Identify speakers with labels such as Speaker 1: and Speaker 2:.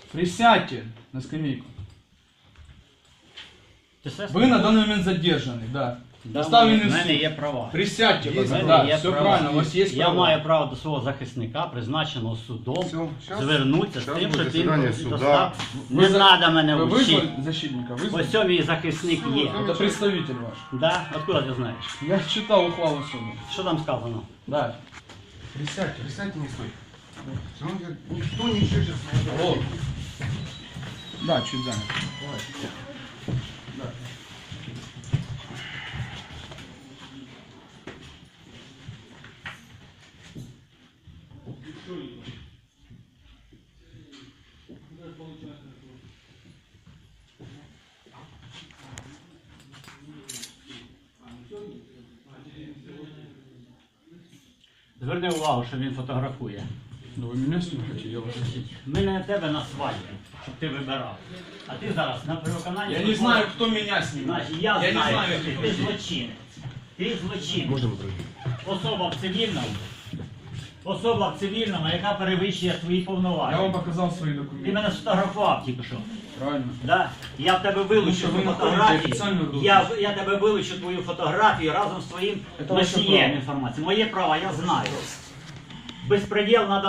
Speaker 1: Присядьте на скамейку.
Speaker 2: Ти все
Speaker 1: Вы на данный момент задержаны, да.
Speaker 2: Да,
Speaker 1: Доставлены
Speaker 2: в
Speaker 1: в
Speaker 2: мене
Speaker 1: суд.
Speaker 2: є права.
Speaker 1: Присядьте,
Speaker 2: В
Speaker 1: пожалуйста.
Speaker 2: мене
Speaker 1: Да,
Speaker 2: є
Speaker 1: все
Speaker 2: права.
Speaker 1: правильно, у вас есть
Speaker 2: Я
Speaker 1: права.
Speaker 2: маю право до свого захисника, призначеного судом,
Speaker 3: Все, щас-
Speaker 2: звернутися з
Speaker 3: щас
Speaker 2: тим,
Speaker 3: буде
Speaker 2: що ти
Speaker 3: засідання суда.
Speaker 2: достав.
Speaker 1: Ви
Speaker 2: Не
Speaker 1: за-
Speaker 2: треба мене
Speaker 1: Вы
Speaker 2: вчити.
Speaker 1: вызвали защитника? Вызвали?
Speaker 2: Ось цьому мій захисник є.
Speaker 1: Это представитель ваш.
Speaker 2: Да? Откуда ти знаєш?
Speaker 1: Я читал ухвалу суда.
Speaker 2: Що там сказано?
Speaker 1: Да. Присядьте.
Speaker 3: Присядьте, не стой. Никто не шишет.
Speaker 1: Вот. Да, чуть занят.
Speaker 2: Зверни увагу, що він фотографує.
Speaker 1: Ну вы меня снимаете, я вас...
Speaker 2: Ми не на тебе на свадьбі, щоб ти вибирав. А ти зараз на переконанні...
Speaker 1: Я не знаю, кто меня снимает.
Speaker 2: Значить, я
Speaker 1: не
Speaker 2: знаю,
Speaker 1: знаю,
Speaker 2: що
Speaker 1: кто
Speaker 2: ти
Speaker 1: меня.
Speaker 2: злочинець. Ти злочинець.
Speaker 3: Можно мы
Speaker 2: Особа в цивільному. Особа в цивільному, яка перевищує свої
Speaker 1: Я вам
Speaker 2: повноваження.
Speaker 1: показал свои
Speaker 2: Ти
Speaker 1: документы.
Speaker 2: мене сфотографував тільки що.
Speaker 1: Правильно.
Speaker 2: Да? Я в тебе вилучу
Speaker 1: що ви
Speaker 2: цю
Speaker 1: знаходите
Speaker 2: фотографію.
Speaker 1: офіційну групу.
Speaker 2: Я тебе вилучу твою фотографію разом з твоїм
Speaker 1: Це ваше
Speaker 2: носієм
Speaker 1: право.
Speaker 2: інформації. Моє право, я знаю. Безпреділ надо.